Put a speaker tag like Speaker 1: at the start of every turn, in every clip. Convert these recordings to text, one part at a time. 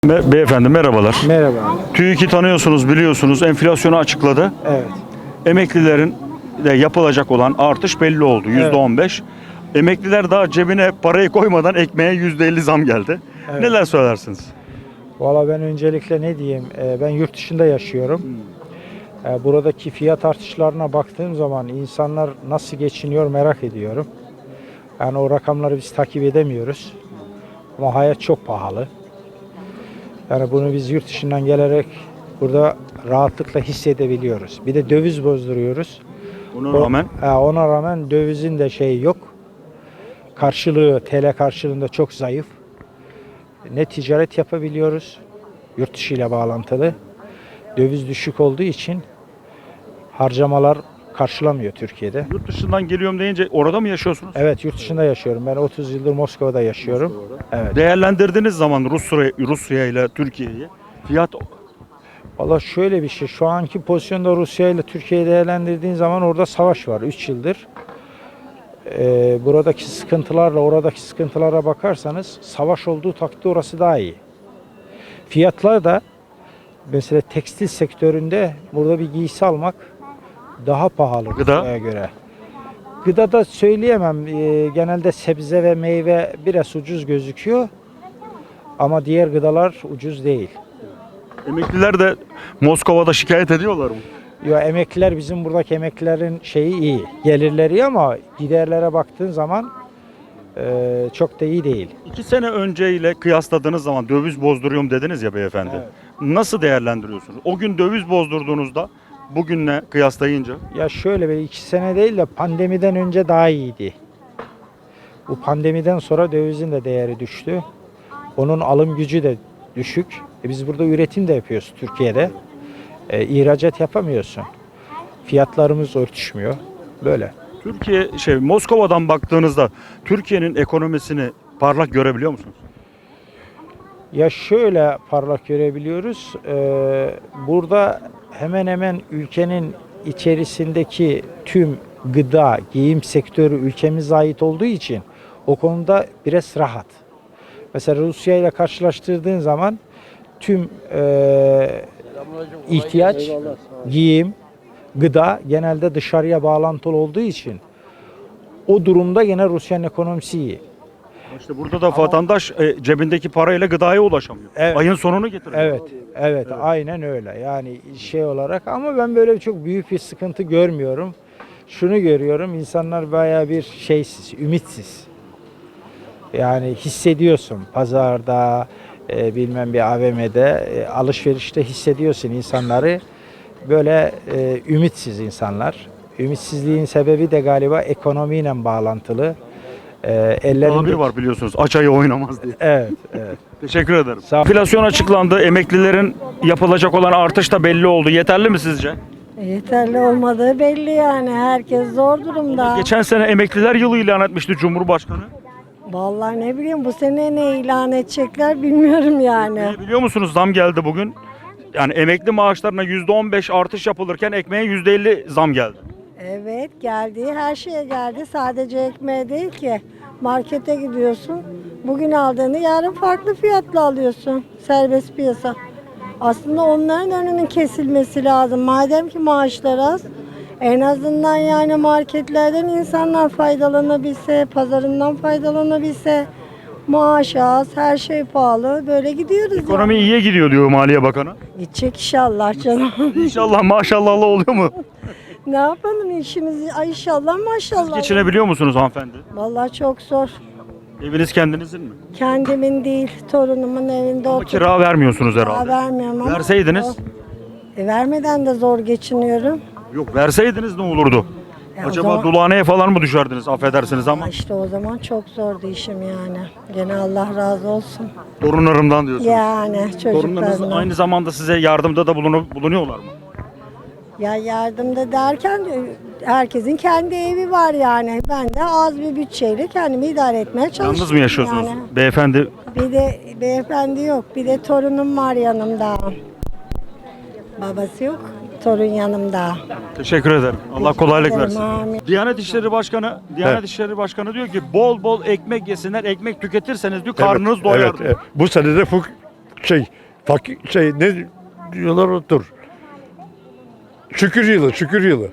Speaker 1: Beyefendi merhabalar.
Speaker 2: Merhaba.
Speaker 1: TÜİK'i tanıyorsunuz, biliyorsunuz. Enflasyonu açıkladı.
Speaker 2: Evet.
Speaker 1: Emeklilerin de yapılacak olan artış belli oldu. %15. Emekliler daha cebine parayı koymadan ekmeğe %50 zam geldi.
Speaker 2: Evet.
Speaker 1: Neler söylersiniz?
Speaker 2: Valla ben öncelikle ne diyeyim? Ben yurt dışında yaşıyorum. Buradaki fiyat artışlarına baktığım zaman insanlar nasıl geçiniyor merak ediyorum. Yani o rakamları biz takip edemiyoruz. Ama hayat çok pahalı. Yani bunu biz yurt dışından gelerek burada rahatlıkla hissedebiliyoruz. Bir de döviz bozduruyoruz.
Speaker 1: Buna rağmen
Speaker 2: Ona rağmen dövizin de şeyi yok. Karşılığı TL karşılığında çok zayıf. Ne ticaret yapabiliyoruz yurt dışı ile bağlantılı. Döviz düşük olduğu için harcamalar karşılamıyor Türkiye'de.
Speaker 1: yurt dışından geliyorum deyince orada mı yaşıyorsunuz?
Speaker 2: Evet, yurt dışında yaşıyorum. Ben 30 yıldır Moskova'da yaşıyorum. Evet.
Speaker 1: Değerlendirdiğiniz zaman Rusya ile Türkiye'yi fiyat
Speaker 2: Valla şöyle bir şey. Şu anki pozisyonda Rusya ile Türkiye'yi değerlendirdiğin zaman orada savaş var 3 yıldır. Buradaki sıkıntılarla oradaki sıkıntılara bakarsanız savaş olduğu takdirde orası daha iyi. Fiyatlar da mesela tekstil sektöründe burada bir giysi almak daha pahalı
Speaker 1: Gıda?
Speaker 2: Rusya'ya göre. Gıda da söyleyemem. Genelde sebze ve meyve biraz ucuz gözüküyor. Ama diğer gıdalar ucuz değil.
Speaker 1: emekliler de Moskova'da şikayet ediyorlar mı?
Speaker 2: Ya emekliler bizim buradaki emeklilerin şeyi iyi. Gelirleri iyi ama giderlere baktığın zaman çok da iyi değil.
Speaker 1: 2 sene önceyle kıyasladığınız zaman döviz bozduruyorum dediniz ya beyefendi.
Speaker 2: Evet.
Speaker 1: Nasıl değerlendiriyorsunuz? O gün döviz bozdurduğunuzda bugünle kıyaslayınca
Speaker 2: Ya şöyle bir 2 sene değil de pandemiden önce daha iyiydi. Bu pandemiden sonra dövizin de değeri düştü. Onun alım gücü de düşük. Biz burada üretim de yapıyoruz Türkiye'de. İhracat yapamıyorsun. Fiyatlarımız örtüşmüyor. Böyle.
Speaker 1: Türkiye Moskova'dan baktığınızda Türkiye'nin ekonomisini parlak görebiliyor musunuz?
Speaker 2: Ya şöyle parlak görebiliyoruz. Burada hemen hemen ülkenin içerisindeki tüm gıda, giyim sektörü ülkemize ait olduğu için o konuda biraz rahat. Mesela Rusya ile karşılaştırdığın zaman tüm ihtiyaç, giyim, gıda genelde dışarıya bağlantılı olduğu için o durumda gene Rusya'nın ekonomisi iyi.
Speaker 1: İşte burada da vatandaş cebindeki parayla gıdaya ulaşamıyor.
Speaker 2: Evet.
Speaker 1: Ayın sonunu getiriyor.
Speaker 2: Evet, aynen öyle. Yani şey olarak ama ben böyle çok büyük bir sıkıntı görmüyorum. Şunu görüyorum, insanlar bayağı bir şeysiz, ümitsiz. Yani hissediyorsun pazarda, bilmem bir AVM'de, alışverişte hissediyorsun insanları. Böyle ümitsiz insanlar. Ümitsizliğin sebebi de galiba ekonomiyle bağlantılı.
Speaker 1: Tabir var biliyorsunuz. Aç ayı oynamaz diye.
Speaker 2: Evet.
Speaker 1: Teşekkür ederim.
Speaker 2: Sağ ol.
Speaker 1: Enflasyon açıklandı. Emeklilerin yapılacak olan artış da belli oldu. Yeterli mi sizce?
Speaker 3: Yeterli olmadığı belli yani. Herkes zor durumda.
Speaker 1: Geçen sene emekliler yılı ilan etmişti Cumhurbaşkanı.
Speaker 3: Vallahi ne bileyim bu sene ne ilan edecekler bilmiyorum yani.
Speaker 1: Biliyor musunuz zam geldi bugün. Yani emekli maaşlarına %15 artış yapılırken ekmeğe %50 zam geldi.
Speaker 3: Evet geldi. Her şeye geldi. Sadece ekmeğe değil ki. Markete gidiyorsun. Bugün aldığını yarın farklı fiyatla alıyorsun. Serbest piyasa. Aslında onların önünün kesilmesi lazım. Madem ki maaşlar az. En azından yani marketlerden insanlar faydalanabilse, pazarından faydalanabilse, maaş az, her şey pahalı. Böyle gidiyoruz
Speaker 1: Ekonomi
Speaker 3: yani.
Speaker 1: iyiye gidiyor diyor Maliye Bakanı.
Speaker 3: Gidecek inşallah canım.
Speaker 1: İnşallah maşallah oluyor mu?
Speaker 3: Ne yapalım işimizi? Ay inşallah maşallah.
Speaker 1: Geçinebiliyor musunuz hanımefendi?
Speaker 3: Vallahi çok zor.
Speaker 1: Eviniz kendinizin mi?
Speaker 3: Kendimin değil, torunumun evinde
Speaker 1: Ama
Speaker 3: oturup
Speaker 1: kira vermiyorsunuz
Speaker 3: kira
Speaker 1: herhalde.
Speaker 3: vermiyorum ama.
Speaker 1: Verseydiniz?
Speaker 3: Vermeden de zor geçiniyorum.
Speaker 1: Yok verseydiniz ne olurdu?
Speaker 3: O
Speaker 1: Acaba
Speaker 3: zaman-
Speaker 1: Dulane'ye falan mı düşerdiniz affedersiniz ama
Speaker 3: İşte o zaman çok zordu işim yani. Gene Allah razı olsun.
Speaker 1: torunlarımdan diyorsunuz.
Speaker 3: Yani
Speaker 1: Torunlarınız
Speaker 3: çocuklarına.
Speaker 1: aynı zamanda size yardımda da bulunuyorlar mı?
Speaker 3: Ya yardımda derken herkesin kendi evi var yani. Ben de az bir bütçeyle kendimi idare etmeye çalışıyorum.
Speaker 1: Yalnız mı yaşıyorsunuz?
Speaker 3: Yani.
Speaker 1: Beyefendi
Speaker 3: Bir de beyefendi yok. Bir de torunum var yanımda. Babası yok. Torun yanımda.
Speaker 1: teşekkür ederim. Allah kolaylık
Speaker 3: ederim,
Speaker 1: versin.
Speaker 3: amin.
Speaker 1: Diyanet İşleri Başkanı diyor ki bol bol ekmek yesinler, ekmek tüketirseniz diyor karnınız doyar.
Speaker 4: Evet. Bu sene de Ne diyorlar otur. Şükür yılı, şükür yılı.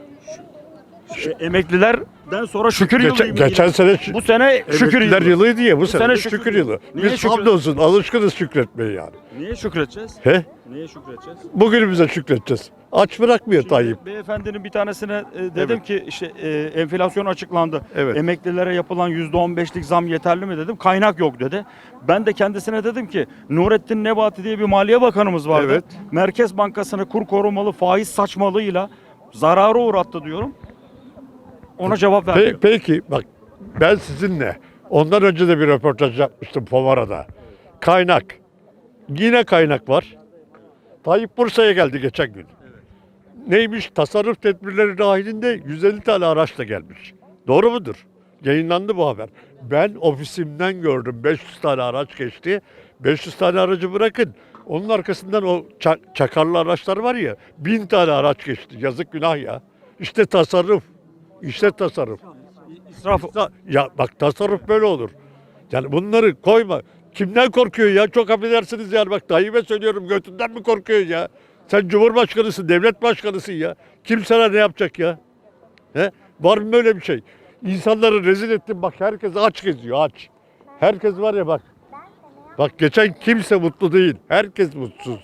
Speaker 1: Emeklilerden sonra şükür yılı.
Speaker 4: Geçen sene
Speaker 1: Bu sene şükür
Speaker 4: emekliler
Speaker 1: yılı.
Speaker 4: yılıydı ya, bu sene
Speaker 1: sene
Speaker 4: de
Speaker 1: şükür
Speaker 4: şükür
Speaker 1: yılı.
Speaker 4: yılı.
Speaker 1: Niye
Speaker 4: Biz
Speaker 1: şükür-
Speaker 4: hamdolsun alışkınız şükretmeye yani.
Speaker 1: Niye şükredeceğiz?
Speaker 4: He?
Speaker 1: Niye şükredeceğiz?
Speaker 4: Bugünümüze şükredeceğiz. Aç bırakmıyor Tayyip.
Speaker 1: Beyefendinin bir tanesine dedim
Speaker 4: Evet.
Speaker 1: ki işte enflasyon açıklandı.
Speaker 4: Evet.
Speaker 1: Emeklilere yapılan %15'lik zam yeterli mi dedim. Kaynak yok dedi. Ben de kendisine dedim ki Nurettin Nebati diye bir Maliye Bakanımız vardı.
Speaker 4: Evet.
Speaker 1: Merkez Bankası'nı kur korumalı faiz saçmalığıyla zarara uğrattı diyorum. Ona cevap vermiyor.
Speaker 4: Peki bak, ben sizinle ondan önce de bir röportaj yapmıştım Pomara'da. Kaynak. Yine kaynak var. Tayyip Bursa'ya geldi geçen gün. Neymiş? Tasarruf tedbirleri dahilinde 150 tane araçla gelmiş. Doğru mudur? Yayınlandı bu haber. Ben ofisimden gördüm. 500 tane araç geçti. 500 tane aracı bırakın. Onun arkasından o çakarlı araçlar var ya, 1000 tane araç geçti. Yazık, günah ya. İşte tasarruf. İşte tasarruf.
Speaker 1: İsraf.
Speaker 4: Ya bak, tasarruf böyle olur. Yani bunları koyma. Kimden korkuyor ya? Çok affedersiniz yani, bak Tayyip'e söylüyorum, götünden mi korkuyor ya? Sen Cumhurbaşkanısın, devlet başkanısın ya. Kim sana ne yapacak ya? He? Var mı böyle bir şey? İnsanları rezil ettin, bak herkes aç geziyor, aç. Herkes var ya bak. Bak geçen kimse mutlu değil. Herkes mutsuz.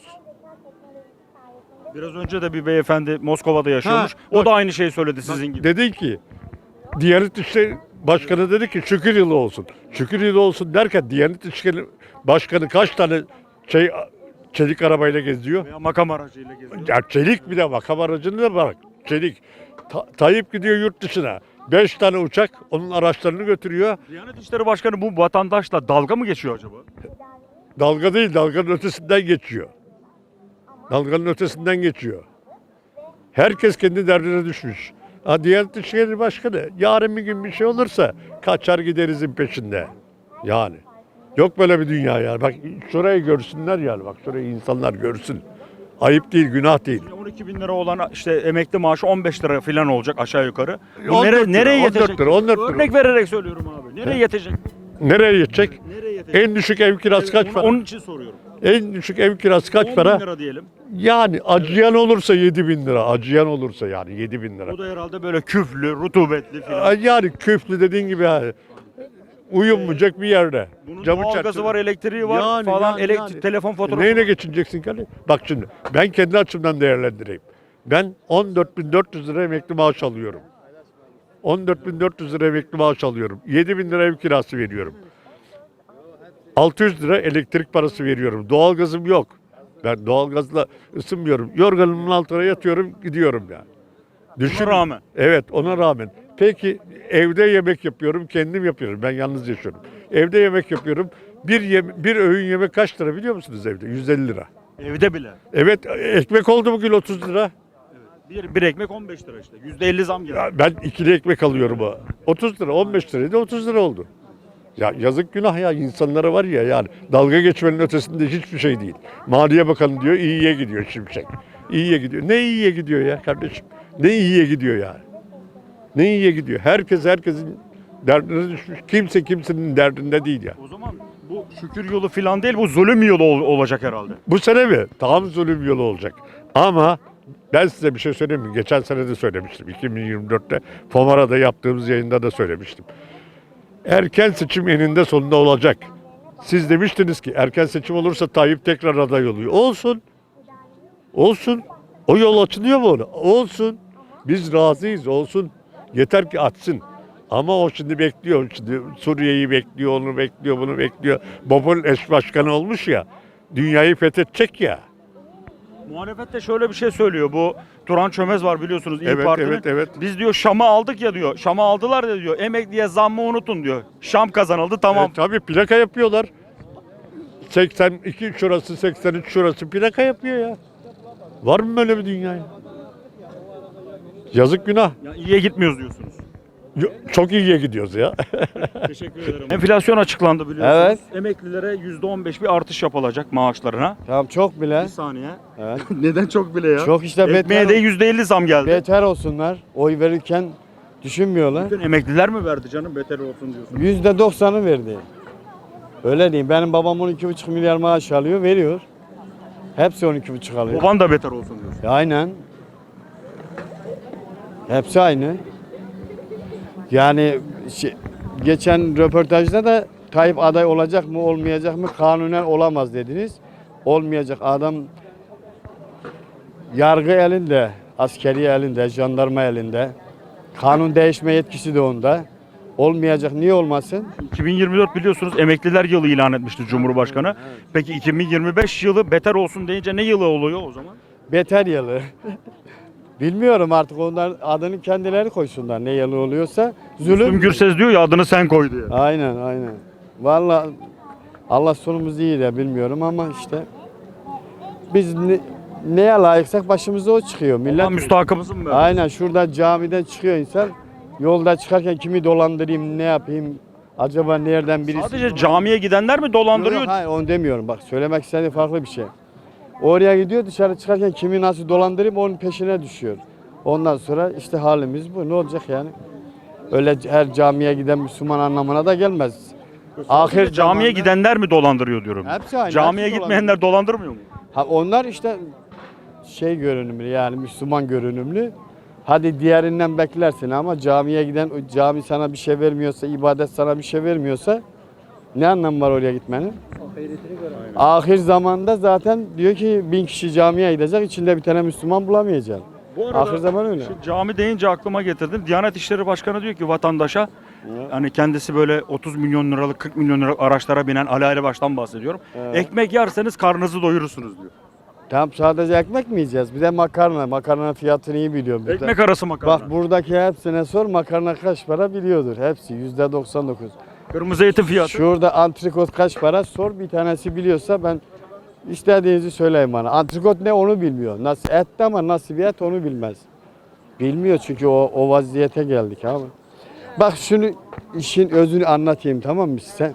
Speaker 1: Biraz önce de bir beyefendi Moskova'da yaşıyormuş.
Speaker 4: Ha,
Speaker 1: O da aynı şeyi söyledi sizin gibi.
Speaker 4: Dedi ki, Diyanet İşleri Başkanı dedi ki şükür yılı olsun. Şükür yılı olsun derken Diyanet İşleri Başkanı kaç tane çelik arabayla geziyor?
Speaker 1: Veya makam aracıyla geziyor.
Speaker 4: Ya çelik, bir de makam aracını da bırak. Çelik. Tayyip gidiyor yurt dışına. 5 tane uçak onun araçlarını götürüyor.
Speaker 1: Diyanet İşleri Başkanı bu vatandaşla dalga mı geçiyor acaba?
Speaker 4: Dalga değil, dalganın ötesinden geçiyor. Dalganın ötesinden geçiyor. Herkes kendi derdine düşmüş. Diyanet İşleri Başkanı yarın bir gün bir şey olursa kaçar giderizin peşinde. Yani. Yok böyle bir dünya yani. Bak şurayı görsünler yani. Bak şurayı insanlar görsün. Ayıp değil, günah değil.
Speaker 1: 12 bin lira olan işte emekli maaşı 15 lira falan olacak aşağı yukarı. Bu
Speaker 4: 14 lira,
Speaker 1: nereye
Speaker 4: 14
Speaker 1: yetecek?
Speaker 4: lira, 14 lira.
Speaker 1: Örnek vererek söylüyorum abi. Nereye yetecek?
Speaker 4: Nereye yetecek?
Speaker 1: Nereye yetecek?
Speaker 4: En düşük ev kirası kaç para?
Speaker 1: Onun için soruyorum.
Speaker 4: En düşük ev kirası
Speaker 1: 10
Speaker 4: kaç
Speaker 1: bin
Speaker 4: para?
Speaker 1: lira diyelim.
Speaker 4: Yani acıyan olursa 7.000 lira. Acıyan olursa yani 7.000 lira.
Speaker 1: Bu da herhalde böyle küflü, rutubetli falan.
Speaker 4: Yani küflü dediğin gibi yani. Uyumayacak bir yerde.
Speaker 1: Bunun
Speaker 4: Camı
Speaker 1: doğalgazı
Speaker 4: çerçeve.
Speaker 1: var, elektriği var
Speaker 4: Yani,
Speaker 1: falan,
Speaker 4: yani.
Speaker 1: telefon faturası
Speaker 4: Neyle
Speaker 1: var.
Speaker 4: geçineceksin ki? Bak şimdi ben kendi açımdan değerlendireyim. Ben 14.400 lira emekli maaş alıyorum. 14.400 lira emekli maaş alıyorum. 7.000 lira ev kirası veriyorum. 600 lira elektrik parası veriyorum. Doğalgazım yok. Ben doğalgazla ısınmıyorum. Yorganımın altına yatıyorum, gidiyorum yani.
Speaker 1: Buna rağmen.
Speaker 4: Evet, ona rağmen. Peki evde yemek yapıyorum, kendim yapıyorum. Ben yalnız yaşıyorum. Evde yemek yapıyorum. Bir öğün yemek kaç lira biliyor musunuz evde? 150 lira.
Speaker 1: Evde bile.
Speaker 4: Evet, ekmek oldu bugün 30 lira.
Speaker 1: Bir ekmek 15 lira işte. %50 zam geldi.
Speaker 4: Ya ben ikili ekmek alıyorum ha. 30 lira, 15 liraydı, 30 lira oldu. Ya yazık, günah ya, insanlara var ya yani, dalga geçmenin ötesinde hiçbir şey değil. Maliye Bakanı diyor iyiye gidiyor Şimşek. İyiye gidiyor. Ne iyiye gidiyor ya kardeşim? Ne iyiye gidiyor ya? Ne iyiye gidiyor? Herkesin derdine düşmüş. Kimse kimsenin derdinde değil ya.
Speaker 1: O zaman bu şükür yolu falan değil, bu zulüm yolu olacak herhalde.
Speaker 4: Bu sene mi? Tam zulüm yolu olacak. Ama ben size bir şey söyleyeyim mi? Geçen sene de söylemiştim. 2024'te Pomara'da yaptığımız yayında da söylemiştim. Erken seçim eninde sonunda olacak. Siz demiştiniz ki erken seçim olursa Tayyip tekrar aday oluyor. Olsun. Olsun. O yol açılıyor mu ona? Olsun. Biz razıyız, olsun. Yeter ki açsın. Ama o şimdi bekliyor. Şimdi Suriye'yi bekliyor, onu bekliyor, bunu bekliyor. Bob'un eş başkanı olmuş ya. Dünyayı fethedecek ya.
Speaker 1: Muhalefet de şöyle bir şey söylüyor. Bu Turan Çömez var biliyorsunuz İYİ
Speaker 4: Evet,
Speaker 1: Parti'nin.
Speaker 4: evet.
Speaker 1: Biz diyor Şam'ı aldık ya diyor. Şam'ı aldılar da diyor. Emekliye zammı unutun diyor. Şam kazanıldı tamam.
Speaker 4: Tabii plaka yapıyorlar. 82 şurası, 83 şurası plaka yapıyor ya. Var mı böyle bir dünya ya? Yazık, günah.
Speaker 1: Ya iyiye gitmiyoruz diyorsunuz.
Speaker 4: Çok iyiye gidiyoruz ya.
Speaker 1: Teşekkür ederim. Enflasyon açıklandı biliyorsunuz.
Speaker 5: Evet.
Speaker 1: Emeklilere %15 bir artış yapılacak maaşlarına.
Speaker 5: Tamam, çok bile.
Speaker 1: Bir saniye.
Speaker 5: Evet.
Speaker 1: Neden çok bile ya?
Speaker 5: Çok işte
Speaker 1: Ekmeğe de %50 zam geldi.
Speaker 5: beter olsunlar. Oy verirken düşünmüyorlar.
Speaker 1: Bütün emekliler mi verdi canım beter olsun diyorsun?
Speaker 5: %90'ı verdi. Öyle diyeyim. Benim babam 12,5 milyar maaş alıyor, veriyor. Hepsi 12,5 alıyor.
Speaker 1: Baban da beter olsun diyorsun.
Speaker 5: Aynen. Hepsi aynı. Yani geçen röportajda da Tayyip aday olacak mı olmayacak mı, kanunen olamaz dediniz. Olmayacak. Adam yargı elinde, askeri elinde, jandarma elinde. Kanun değişme yetkisi de onda. Olmayacak. Niye olmasın?
Speaker 1: 2024 biliyorsunuz emekliler yılı ilan etmişti Cumhurbaşkanı. Peki 2025 yılı beter olsun deyince ne yılı oluyor o zaman?
Speaker 5: Beter yılı. Bilmiyorum artık, onların adını kendileri koysunlar, ne yılı oluyorsa.
Speaker 1: Müslüm
Speaker 5: Zulüm.
Speaker 1: Gürses diyor ya adını sen koy diye.
Speaker 5: Aynen aynen. Vallahi Allah sonumuz iyi de bilmiyorum ama işte biz neye layıksak başımıza o çıkıyor.
Speaker 1: Allah
Speaker 5: Millet
Speaker 1: müstahakımızın mı?
Speaker 5: aynen şurada camiden çıkıyor insan. Yolda çıkarken kimi dolandırayım, ne yapayım? Acaba nereden birisi?
Speaker 1: Sadece camiye gidenler mi dolandırıyor?
Speaker 5: Yok, hayır onu demiyorum. Bak söylemek istediğim farklı bir şey. Oraya gidiyor, dışarı çıkarken kimi nasıl dolandırayım onun peşine düşüyor. Ondan sonra işte halimiz bu. Ne olacak yani? Öyle her camiye giden Müslüman anlamına da gelmez.
Speaker 1: Ahir camiye
Speaker 5: zamanda-
Speaker 1: gidenler mi dolandırıyor diyorum.
Speaker 5: Hepsi aynı,
Speaker 1: Camiye
Speaker 5: hepsi
Speaker 1: gitmeyenler dolandırmıyor mu?
Speaker 5: Ha, onlar işte şey görünümlü, yani Müslüman görünümlü. Hadi diğerinden beklersin ama camiye giden, cami sana bir şey vermiyorsa, ibadet sana bir şey vermiyorsa ne anlamı var oraya gitmenin? Ahir zamanda zaten diyor ki 1000 kişi camiye gidecek, içinde bir tane Müslüman bulamayacaksın.
Speaker 1: Bu arada
Speaker 5: Ahir zaman öyle.
Speaker 1: şimdi cami deyince aklıma getirdim. Diyanet İşleri Başkanı diyor ki vatandaşa hani kendisi böyle 30 milyon liralık 40 milyon liralık araçlara binen Ali Ayrıbaş'tan bahsediyorum.
Speaker 5: Evet.
Speaker 1: Ekmek yerseniz karnınızı doyurursunuz diyor.
Speaker 5: Tam sadece ekmek mi yiyeceğiz? Bir de makarna. Makarnanın fiyatını iyi biliyorum. Bir de-
Speaker 1: Ekmek arası makarna.
Speaker 5: Bak buradaki hepsine sor, makarna kaç para biliyordur. Hepsi %99.
Speaker 1: Kırmızı etin fiyatı.
Speaker 5: Şurada antrikot kaç para sor, bir tanesi biliyorsa ben istediğinizi söyleyin bana. Antrikot ne onu bilmiyor. Nasıl et de ama nasıl bir et onu bilmez. Bilmiyor çünkü o vaziyete geldik abi. Bak şunu, işin özünü anlatayım, tamam mı size?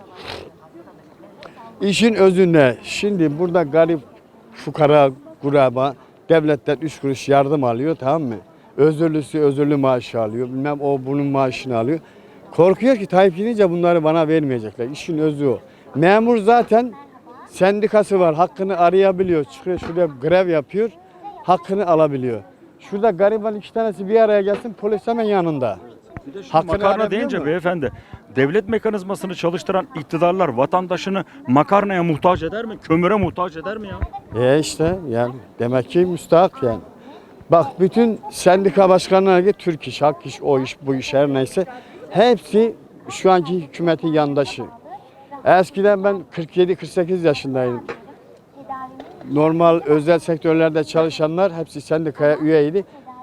Speaker 5: İşin özü ne? Şimdi burada garip fukara, kuraba devletten 3 kuruş yardım alıyor, tamam mı? Özürlüsü özürlü maaşı alıyor. Bilmem o bunun maaşını alıyor. Korkuyor ki Tayyip gidince bunları bana vermeyecekler. İşin özü o. Memur zaten sendikası var. Hakkını arayabiliyor. Çıkıyor şurada grev yapıyor. Hakkını alabiliyor. Şurada gariban 2 tanesi bir araya gelsin, polis hemen yanında.
Speaker 1: Bir de şimdi
Speaker 5: Hakkını
Speaker 1: makarna
Speaker 5: arayabiliyor
Speaker 1: deyince
Speaker 5: mu?
Speaker 1: beyefendi devlet mekanizmasını çalıştıran iktidarlar vatandaşını makarnaya muhtaç eder mi? Kömüre muhtaç eder mi ya?
Speaker 5: İşte yani demek ki müstahak yani. Bak bütün sendika başkanları git, Türk İş, Hak İş, o iş, bu iş her neyse hepsi şu anki hükümetin yandaşı. Eskiden ben 47-48 yaşındaydım. Normal özel sektörlerde çalışanlar hepsi sendikaya üyeydi.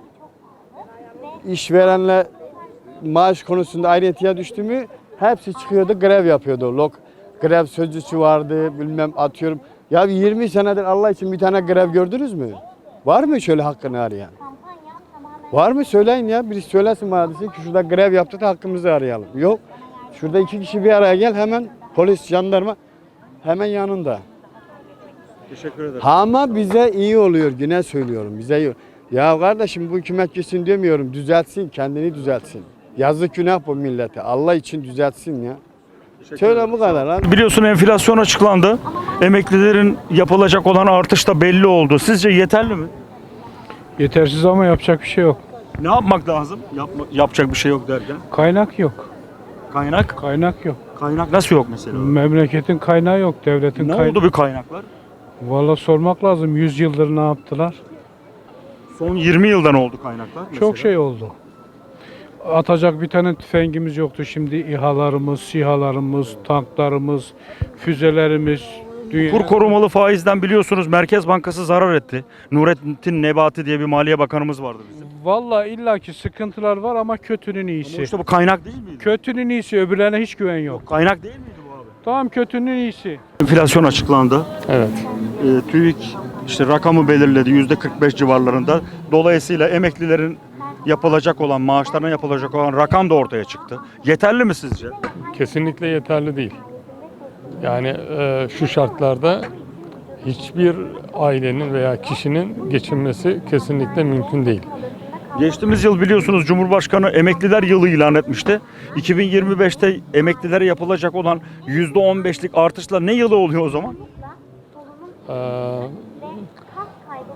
Speaker 5: İşverenle maaş konusunda ayrıntıya düştü mü hepsi çıkıyordu, grev yapıyordu. Grev sözcüsü vardı, bilmem atıyorum. Ya 20 senedir Allah için bir tane grev gördünüz mü? Var mı şöyle hakkını arayan? Var mı söyleyin ya, birisi söylesin bana, desin ki şurada grev yaptı da hakkımızı arayalım. Yok. Şurada 2 kişi bir araya gel, hemen polis, jandarma hemen yanında.
Speaker 1: Teşekkür ederim.
Speaker 5: Ama bize iyi oluyor, yine söylüyorum, bize iyi. Ya kardeşim bu hükümet gitsin demiyorum, düzeltsin, kendini düzeltsin. Yazık günah bu millete, Allah için düzeltsin ya. Şöyle bu kadar lan.
Speaker 1: Biliyorsun enflasyon açıklandı. Emeklilerin yapılacak olan artış da belli oldu. Sizce yeterli mi?
Speaker 6: Yetersiz ama yapacak bir şey yok.
Speaker 1: Ne yapmak lazım? Yapacak bir şey yok derken.
Speaker 6: Kaynak yok.
Speaker 1: Kaynak?
Speaker 6: Kaynak yok.
Speaker 1: Kaynak nasıl yok mesela?
Speaker 6: Memleketin kaynağı yok. Devletin
Speaker 1: Ne
Speaker 6: kaynağı.
Speaker 1: oldu bu kaynaklar?
Speaker 6: Valla sormak lazım. 100 yıldır ne yaptılar?
Speaker 1: Son 20 yıldan oldu kaynaklar.
Speaker 6: Çok
Speaker 1: mesela.
Speaker 6: şey oldu. Atacak bir tane tüfengimiz yoktu. Şimdi İHA'larımız, SİHA'larımız, tanklarımız, füzelerimiz. Dünya...
Speaker 1: Kur korumalı faizden biliyorsunuz Merkez Bankası zarar etti. Nurettin Nebati diye bir Maliye Bakanımız vardı bizim.
Speaker 6: Valla illaki sıkıntılar var ama kötünün
Speaker 1: Ama
Speaker 6: iyisi.
Speaker 1: işte bu kaynak değil miydi?
Speaker 6: Kötünün iyisi. Öbürlerine hiç güven yok.
Speaker 1: Kaynak değil miydi bu abi?
Speaker 6: Tamam, kötünün iyisi.
Speaker 1: Enflasyon açıklandı.
Speaker 7: Evet.
Speaker 1: TÜİK işte rakamı belirledi %45 civarlarında. Dolayısıyla emeklilerin yapılacak olan, maaşlarına yapılacak olan rakam da ortaya çıktı. Yeterli mi sizce?
Speaker 7: Kesinlikle yeterli değil. Yani şu şartlarda hiçbir ailenin veya kişinin geçinmesi kesinlikle mümkün değil.
Speaker 1: Geçtiğimiz yıl biliyorsunuz Cumhurbaşkanı emekliler yılı ilan etmişti. 2025'te emeklilere yapılacak olan %15'lik artışla ne yılı oluyor o zaman?
Speaker 7: E,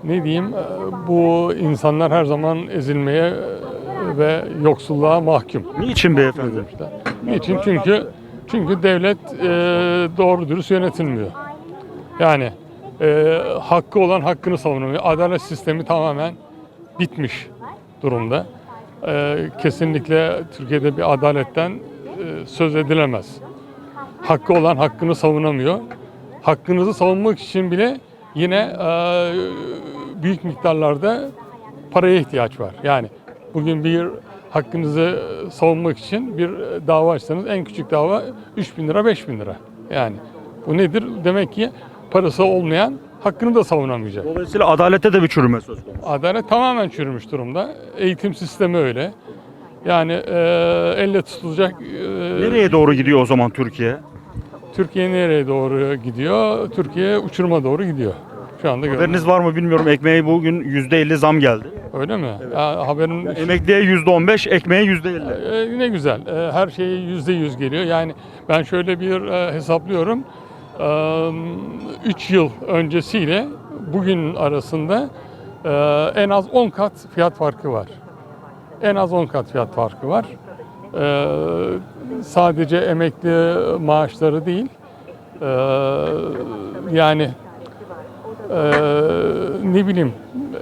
Speaker 7: ne diyeyim, bu insanlar her zaman ezilmeye ve yoksulluğa mahkum.
Speaker 1: Niçin beyefendi?
Speaker 7: Niçin? Çünkü devlet doğru dürüst yönetilmiyor. Yani hakkı olan hakkını savunamıyor. Adalet sistemi tamamen bitmiş durumda. Kesinlikle Türkiye'de bir adaletten söz edilemez. Hakkı olan hakkını savunamıyor. Hakkınızı savunmak için bile yine büyük miktarlarda paraya ihtiyaç var. Yani bugün bir hakkınızı savunmak için bir dava açsanız en küçük dava 3.000 lira, 5.000 lira. Yani bu nedir? Demek ki parası olmayan hakkını da savunamayacak.
Speaker 1: Dolayısıyla adalete de bir çürüme söz konusu.
Speaker 7: Adalet tamamen çürümüş durumda. Eğitim sistemi öyle. Yani elle tutulacak...
Speaker 1: Nereye doğru gidiyor o zaman Türkiye?
Speaker 7: Türkiye nereye doğru gidiyor? Türkiye uçuruma doğru gidiyor. Şu anda
Speaker 1: Haberiniz var mı bilmiyorum. Ekmeğe bugün %50 zam geldi.
Speaker 7: Öyle mi? Ya, haberin...
Speaker 1: Emekliye %15, ekmeğe %50.
Speaker 7: Ne güzel. Her şey %100 geliyor. Yani ben şöyle bir hesaplıyorum. 3 yıl öncesiyle bugünün arasında en az 10 kat fiyat farkı var. En az 10 kat fiyat farkı var. Sadece emekli maaşları değil. Yani ne bileyim,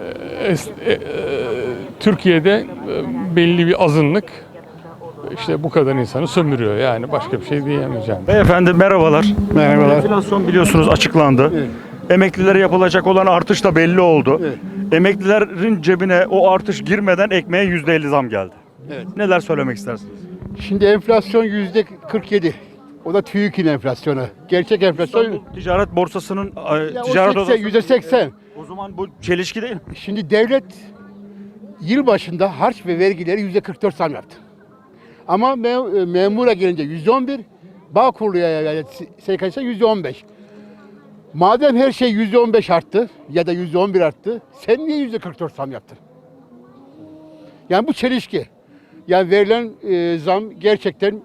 Speaker 7: Türkiye'de belli bir azınlık işte bu kadar insanı sömürüyor. Yani başka bir şey diyemeyeceğim.
Speaker 1: Beyefendi merhabalar.
Speaker 5: Merhabalar.
Speaker 1: Enflasyon biliyorsunuz açıklandı.
Speaker 5: Evet.
Speaker 1: Emeklilere yapılacak olan artış da belli oldu.
Speaker 5: Evet.
Speaker 1: Emeklilerin cebine o artış girmeden ekmeğe %50 zam geldi.
Speaker 5: Evet.
Speaker 1: Neler söylemek istersiniz?
Speaker 5: Şimdi enflasyon %47. O da TÜİK'in enflasyonu. Gerçek enflasyon
Speaker 1: İstanbul Ticaret Borsası'nın
Speaker 5: ya o
Speaker 1: ticaret
Speaker 5: 80,
Speaker 1: odası.
Speaker 5: %80.
Speaker 1: O zaman bu çelişki değil mi?
Speaker 5: Şimdi devlet yıl başında harç ve vergileri %44 zam yaptı. Ama memura gelince %11, Bağkurlu'ya yani SKS'e %15. Madem her şey %15 arttı ya da %11 arttı, sen niye %44 zam yaptın? Yani bu çelişki. Yani verilen zam gerçekten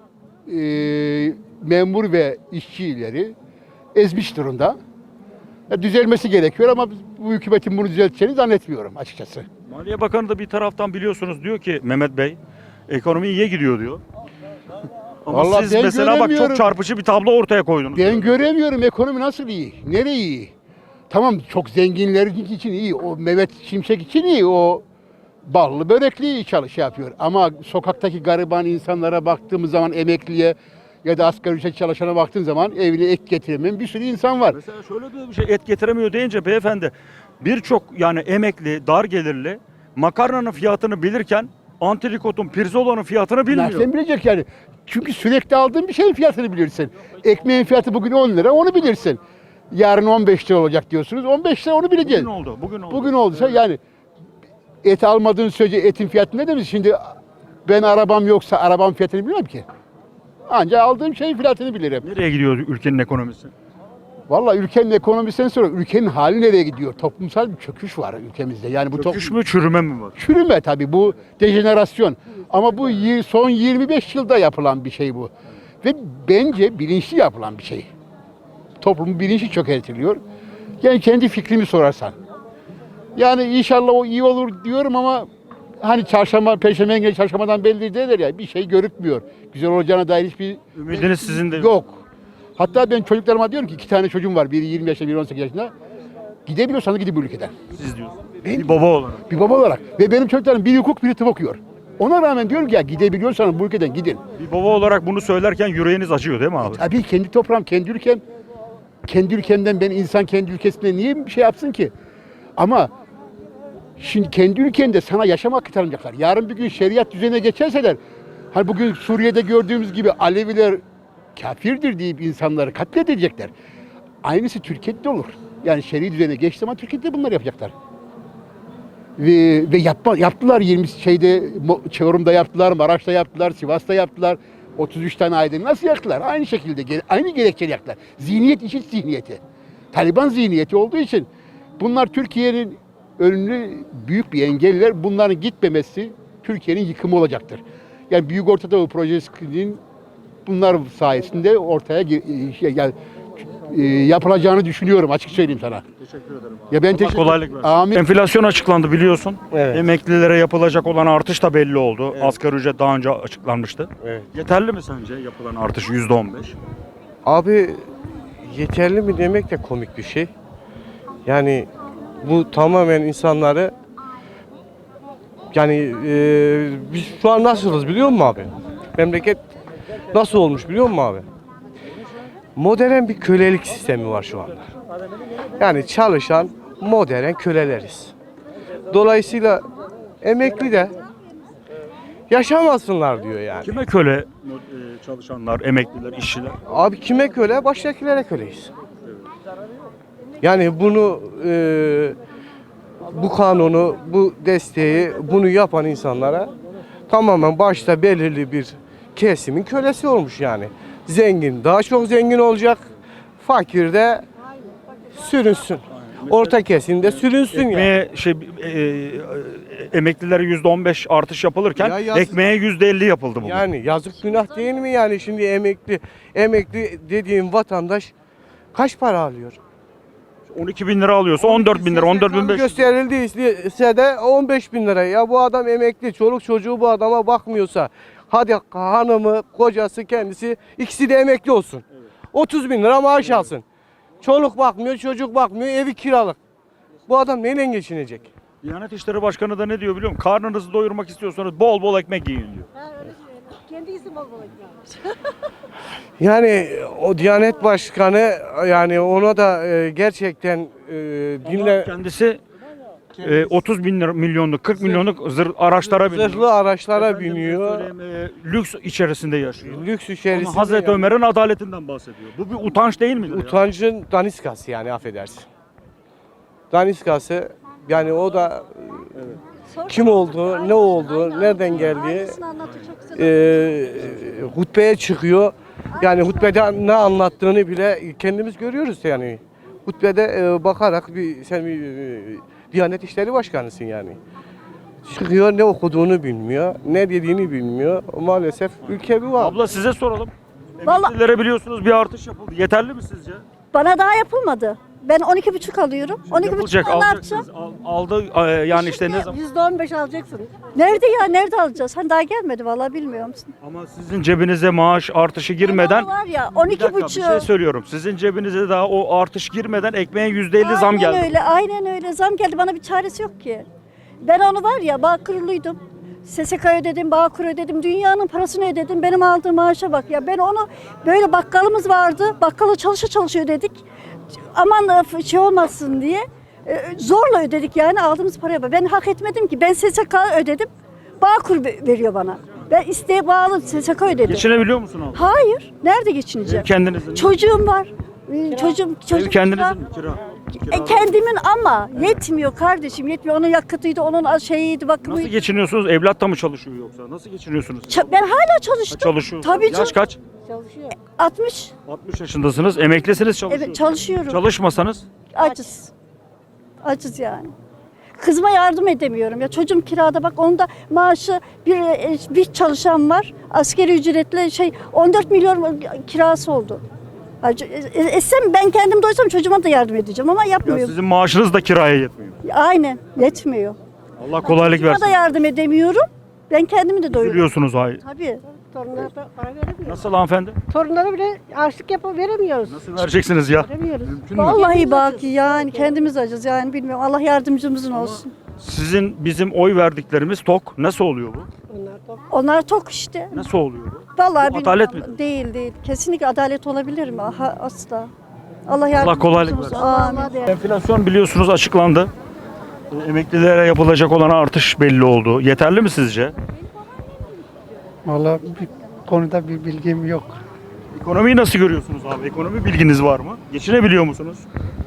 Speaker 5: memur ve işçileri ezmiş durumda. Düzelmesi gerekiyor ama bu hükümetin bunu düzelteceğini zannetmiyorum açıkçası.
Speaker 1: Maliye Bakanı da bir taraftan biliyorsunuz diyor ki Mehmet Bey, ekonomi iyiye gidiyor diyor. Ama
Speaker 5: Vallahi
Speaker 1: siz
Speaker 5: ben
Speaker 1: mesela bak çok
Speaker 5: göremiyorum.
Speaker 1: çarpıcı bir tablo ortaya koydunuz.
Speaker 5: Ben göremiyorum ekonomi nasıl iyi, nereye iyi? Tamam çok zenginler için iyi, o Mehmet Şimşek için iyi, o ballı börekli iyi yapıyor. Ama sokaktaki gariban insanlara baktığımız zaman emekliye ya da asgari ücret çalışana baktığın zaman evine ek getiremeyen bir sürü insan var.
Speaker 1: Mesela şöyle bir şey et getiremiyor deyince beyefendi birçok yani emekli, dar gelirli makarnanın fiyatını bilirken antrikotun, pirzolanın fiyatını bilmiyor.
Speaker 5: Nereden bilecek yani? Çünkü sürekli aldığın bir şeyin fiyatını bilirsin. Ekmeğin fiyatı bugün 10 lira onu bilirsin. Yarın 15 lira olacak diyorsunuz. 15 lira onu bileceğiz.
Speaker 1: Bugün oldu, bugün oldu.
Speaker 5: Bugün olduysa yani et almadığın sürece etin fiyatı ne demiş? Şimdi ben arabam yoksa arabam fiyatını bilmem ki. Ancak aldığım şeyin fiyatını bilirim.
Speaker 1: Nereye gidiyor ülkenin ekonomisi?
Speaker 5: Vallahi ülkenin ekonomisinden sonra ülkenin hali nereye gidiyor? Toplumsal bir çöküş var ülkemizde. Yani bu
Speaker 1: Çöküş mü, çürüme mi var?
Speaker 5: çürüme tabii bu dejenerasyon. Ama bu son 25 yılda yapılan bir şey bu. Ve bence bilinçli yapılan bir şey. Toplumun bilinci çökertiliyor. Yani kendi fikrimi sorarsan. Yani inşallah o iyi olur diyorum ama hani çarşamba, perşembe günü çarşambadan belli derler ya bir şey görükmüyor. Güzel olacağına dair hiçbir
Speaker 1: Ümidiniz sizin de
Speaker 5: yok. Hatta ben çocuklarıma diyorum ki 2 tane çocuğum var. Biri 20 yaşında, biri 18 yaşında. Gidebiliyorsanız gidin bu ülkeden.
Speaker 1: Siz diyorsunuz. Bir baba olarak.
Speaker 5: Bir baba olarak. Ve benim çocuklarım biri hukuk, biri tıp okuyor. Ona rağmen diyorum ki ya gidebiliyorsanız bu ülkeden gidin.
Speaker 1: Bir baba olarak bunu söylerken yüreğiniz acıyor değil mi abi?
Speaker 5: Tabii kendi toprağım, kendi ülkem. Kendi ülkemden ben insan kendi ülkesinde niye bir şey yapsın ki? Ama şimdi kendi ülkende sana yaşam hakkı tanıyacaklar. Yarın bir gün şeriat düzenine geçerseler, hani bugün Suriye'de gördüğümüz gibi Aleviler kafirdir deyip insanları katledecekler. Aynısı Türkiye'de olur. Yani şer'i düzene geçti zaman Türkiye'de bunlar yapacaklar. Ve yaptılar 20 Çorum'da yaptılar, Maraş'ta yaptılar, Sivas'ta yaptılar. 33 tane aydın nasıl yaktılar? Aynı şekilde, aynı gerekçeyle yaktılar. Zihniyet IŞİD zihniyeti. Taliban zihniyeti olduğu için bunlar Türkiye'nin önünü büyük bir engeller. Bunların gitmemesi Türkiye'nin yıkımı olacaktır. Yani Büyük Orta Doğu Projesi'nin bunlar sayesinde ortaya yani
Speaker 8: yapılacağını düşünüyorum, açık söyleyeyim sana.
Speaker 1: Teşekkür ederim.
Speaker 8: Ya ben
Speaker 1: Allah
Speaker 8: teşekkür
Speaker 1: kolaylık versin.
Speaker 8: Amin.
Speaker 1: Enflasyon açıklandı biliyorsun.
Speaker 9: Evet.
Speaker 1: Emeklilere yapılacak olan artış da belli oldu. Asgari ücret daha önce açıklanmıştı.
Speaker 9: Evet.
Speaker 1: Yeterli mi sence yapılan artış %15?
Speaker 9: Abi yeterli mi demek de komik bir şey. Yani bu tamamen insanları yani biz şu an nasılız biliyor musun abi? Memleket nasıl olmuş biliyor musun abi? Modern bir kölelik sistemi var şu anda. Yani çalışan modern köleleriz. Dolayısıyla emekli de yaşamasınlar diyor yani.
Speaker 1: Kime köle çalışanlar, emekliler, işçiler?
Speaker 9: Abi kime köle? Baştakilere köleyiz. Yani bunu bu kanunu, bu desteği, bunu yapan insanlara tamamen başta belirli bir kesimin kölesi olmuş yani. Zengin daha çok zengin olacak, fakir de sürünsün. Orta kesim de sürünsün yani.
Speaker 1: Ekmeğe emeklilere %15 artış yapılırken
Speaker 9: Ya yazık.
Speaker 1: ekmeğe %50 yapıldı bugün.
Speaker 9: Yani yazık günah değil mi yani şimdi emekli dediğim vatandaş kaç para alıyor?
Speaker 1: 12 bin lira alıyorsa 14 bin lira, 14 bin 500 lira.
Speaker 9: Gösterildiyse de 15 bin lira. Ya bu adam emekli, çoluk çocuğu bu adama bakmıyorsa, hadi hanımı, kocası, kendisi ikisi de emekli olsun. 30 bin lira maaş alsın. Çoluk bakmıyor, çocuk bakmıyor, evi kiralık. Bu adam neyle geçinecek?
Speaker 1: Diyanet İşleri Başkanı da ne diyor biliyor musun? Karnınızı doyurmak istiyorsanız bol bol ekmek yiyin diyor.
Speaker 9: Yani o Diyanet Başkanı yani ona da gerçekten dinle
Speaker 1: Kendisi 30 bin lira, milyonluk, 40 milyonluk araçlara biniyor.
Speaker 9: zırhlı araçlara
Speaker 1: Efendime
Speaker 9: biniyor.
Speaker 1: söyleyeyim, lüks içerisinde yaşıyor.
Speaker 9: Lüks
Speaker 1: Ama
Speaker 9: içerisinde.
Speaker 1: Hazreti
Speaker 9: yani.
Speaker 1: Ömer'in adaletinden bahsediyor. Bu bir utanç değil midir? Ya?
Speaker 9: Utancın daniskası yani affedersin. Daniskası yani o da kim oldu, ne oldu, nereden geldi, hutbeye çıkıyor. Yani hutbede ne anlattığını bile kendimiz görüyoruz yani. Hutbede bakarak sen bir Diyanet İşleri Başkanısın yani. Çıkıyor ne okuduğunu bilmiyor, ne dediğini bilmiyor. Maalesef ülke bir var.
Speaker 1: Abla size soralım.
Speaker 10: Vallahi-
Speaker 1: Emeklilere biliyorsunuz bir artış yapıldı. Yeterli mi sizce?
Speaker 10: Bana daha yapılmadı. Ben 12,5 alıyorum. 12,5
Speaker 1: Yapılacak,
Speaker 10: ne yapacağım?
Speaker 1: alacaksınız. Aldı yani işte ne zaman?
Speaker 3: %15 alacaksın.
Speaker 10: Nerede ya? Nerede alacağız? Hani daha gelmedi vallahi bilmiyor musun?
Speaker 1: Ama sizin cebinize maaş artışı girmeden
Speaker 10: Ama var ya
Speaker 1: bir dakika, bir şey
Speaker 10: 12,5.
Speaker 1: söylüyorum. Sizin cebinize daha o artış girmeden ekmeğe %50 zam geldi.
Speaker 10: Aynen öyle, aynen öyle. Zam geldi. Bana bir çaresi yok ki. Ben onu var ya Bağkurluydum. SSK ödedim, Bağkur ödedim, dünyanın parasını ödedim. Benim aldığım maaşa bak ya. Ben onu böyle bakkalımız vardı. Bakkala çalışa ödedik. Aman şey olmasın diye zorla ödedik yani aldığımız paraya bak. Ben hak etmedim ki. Ben SSK ödedim. Bağkur veriyor bana. Ben isteğe bağlı SSK ödedim.
Speaker 1: Geçinebiliyor musun abla?
Speaker 10: Hayır. Nerede geçineceğim?
Speaker 1: Kendinizin.
Speaker 10: Çocuğum var. Çocuğum
Speaker 1: Ev kendinizin
Speaker 10: kira.
Speaker 1: mi? Kira.
Speaker 10: Kendimin ama yetmiyor kardeşim yetmiyor. Onun yakıtıydı, onun şeyiydi,
Speaker 1: Nasıl
Speaker 10: bakımıydı.
Speaker 1: geçiniyorsunuz? Evlat da mı çalışıyor yoksa? Nasıl geçiniyorsunuz?
Speaker 10: Ben hala çalıştım.
Speaker 1: Çalışıyorsunuz.
Speaker 10: Tabii
Speaker 1: Yaş
Speaker 10: canım.
Speaker 1: kaç?
Speaker 10: 60.
Speaker 1: 60 yaşındasınız. Emeklisiniz, çalışıyorsunuz.
Speaker 10: Evet çalışıyorum.
Speaker 1: Çalışmasanız
Speaker 10: Acız. Acız yani. Kızıma yardım edemiyorum ya. Çocuğum kirada bak onun da maaşı bir çalışan var. Askeri ücretle 14 milyon kirası oldu. Etsem ben kendim doysam çocuğuma da yardım edeceğim ama
Speaker 1: ya
Speaker 10: yapmıyorum.
Speaker 1: sizin maaşınız da kiraya yetmiyor.
Speaker 10: Aynen yetmiyor.
Speaker 1: Allah kolaylık
Speaker 10: Çocuğuma da
Speaker 1: versin.
Speaker 10: yardım edemiyorum. Ben kendimi de doyuruyorum.
Speaker 1: Üzülüyorsunuz hayır.
Speaker 10: Tabii.
Speaker 3: Torunlara da para veremiyoruz.
Speaker 1: Nasıl hanımefendi?
Speaker 3: Torunlara bile harçlık veremiyoruz.
Speaker 1: Nasıl vereceksiniz ya?
Speaker 3: Veremiyoruz.
Speaker 1: Mümkün mü?
Speaker 10: Vallahi bak yani kendimiz acız yani bilmiyorum. Allah yardımcımızın olsun.
Speaker 1: Sizin bizim oy verdiklerimiz tok. Nasıl oluyor bu?
Speaker 10: Onlar tok işte.
Speaker 1: Nasıl oluyor bu?
Speaker 10: Vallahi
Speaker 1: Bu adalet
Speaker 10: bilmiyorum. Değil. Kesinlikle adalet olabilir mi? Asla. Allah yardımcımız
Speaker 1: Allah kolaylık
Speaker 10: olsun.
Speaker 1: versin.
Speaker 10: Amin.
Speaker 1: Enflasyon biliyorsunuz açıklandı. Emeklilere yapılacak olan artış belli oldu. Yeterli mi sizce?
Speaker 11: Vallahi bir konuda bir bilgim yok.
Speaker 1: Ekonomiyi nasıl görüyorsunuz abi? Ekonomi bilginiz var mı? Geçinebiliyor musunuz?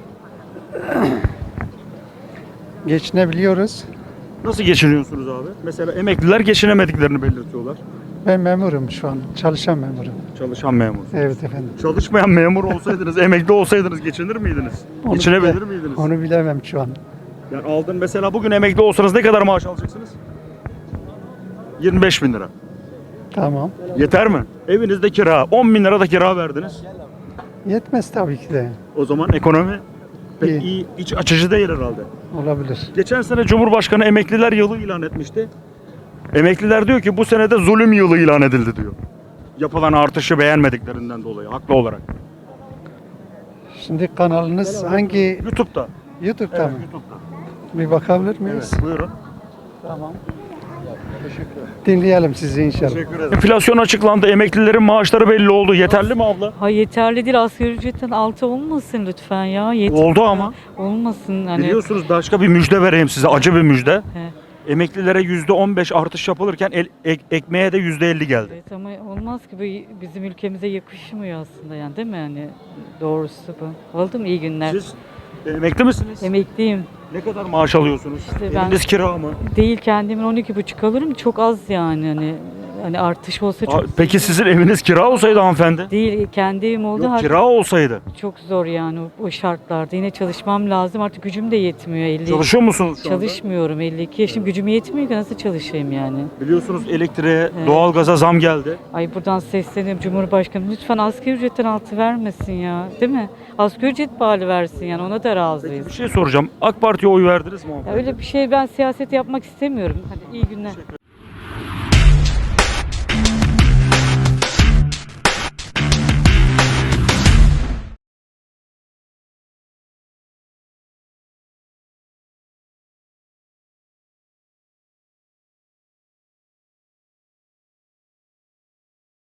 Speaker 11: Geçinebiliyoruz.
Speaker 1: Nasıl geçiniyorsunuz abi? Mesela emekliler geçinemediklerini belirtiyorlar.
Speaker 11: Ben memurum şu an. Çalışan memurum.
Speaker 1: Çalışan memur.
Speaker 11: Evet efendim.
Speaker 1: Çalışmayan memur olsaydınız, emekli olsaydınız geçinir miydiniz?
Speaker 11: Onu
Speaker 1: Geçinebilir
Speaker 11: bile-
Speaker 1: miydiniz?
Speaker 11: Onu bilemem şu an.
Speaker 1: Yani aldın mesela bugün emekli olsanız ne kadar maaş alacaksınız? 25 bin lira.
Speaker 11: Tamam.
Speaker 1: Yeter mi? Evinizde kira. 10 bin lira da kira verdiniz.
Speaker 11: Yetmez tabii ki de.
Speaker 1: O zaman ekonomi pek
Speaker 11: İyi.
Speaker 1: iyi, iç açıcı değil herhalde.
Speaker 11: Olabilir.
Speaker 1: Geçen sene Cumhurbaşkanı emekliler yılı ilan etmişti. Emekliler diyor ki bu sene de zulüm yılı ilan edildi diyor. Yapılan artışı beğenmediklerinden dolayı haklı olarak.
Speaker 11: Şimdi kanalınız hangi
Speaker 1: YouTube'da.
Speaker 11: YouTube'da mı?
Speaker 1: YouTube'da.
Speaker 11: Bir bakabilir miyiz?
Speaker 1: Evet, buyurun.
Speaker 11: Tamam. Dinleyelim sizi inşallah.
Speaker 1: Teşekkür ederim. Enflasyon açıklandı. Emeklilerin maaşları belli oldu. Yeterli mi abla?
Speaker 8: Ha yeterli değil, asgari ücretten altı olmasın lütfen ya.
Speaker 1: Oldu ama.
Speaker 8: Olmasın hani.
Speaker 1: Biliyorsunuz başka bir müjde vereyim size. Acı bir müjde.
Speaker 8: He.
Speaker 1: Emeklilere %15 artış yapılırken ekmeğe de %50 geldi.
Speaker 8: Evet ama olmaz ki, bu bizim ülkemize yakışmıyor aslında yani, değil mi yani, doğrusu bu. Oldu mu? İyi günler.
Speaker 1: Siz emekli misiniz?
Speaker 8: Emekliyim.
Speaker 1: Ne kadar maaş alıyorsunuz?
Speaker 8: İşte ben-
Speaker 1: Eviniz kira mı?
Speaker 8: Değil, kendimin 12,5 alırım, çok az yani hani artış olsa çok
Speaker 1: Peki sizin eviniz kira olsaydı hanımefendi?
Speaker 8: değil, kendi evim oldu
Speaker 1: Yok,
Speaker 8: artık
Speaker 1: kira olsaydı.
Speaker 8: çok zor yani o şartlarda. Yine çalışmam lazım, artık gücüm de yetmiyor. 50
Speaker 1: Çalışıyor musunuz şu anda?
Speaker 8: Çalışmıyorum, 52 yaşım, gücüm yetmiyor ki nasıl çalışayım yani.
Speaker 1: Biliyorsunuz elektriğe,
Speaker 8: Evet.
Speaker 1: doğalgaza zam geldi.
Speaker 8: Ay buradan sesleniyorum Cumhurbaşkanım, lütfen asgari ücretten altı vermesin ya, değil mi? Asgari ücret bağlı versin yani, ona da razıyız.
Speaker 1: Bir şey soracağım. AK Parti'ye oy verdiniz mi?
Speaker 8: Ya öyle bir şey, ben siyaset yapmak istemiyorum. Hadi iyi günler.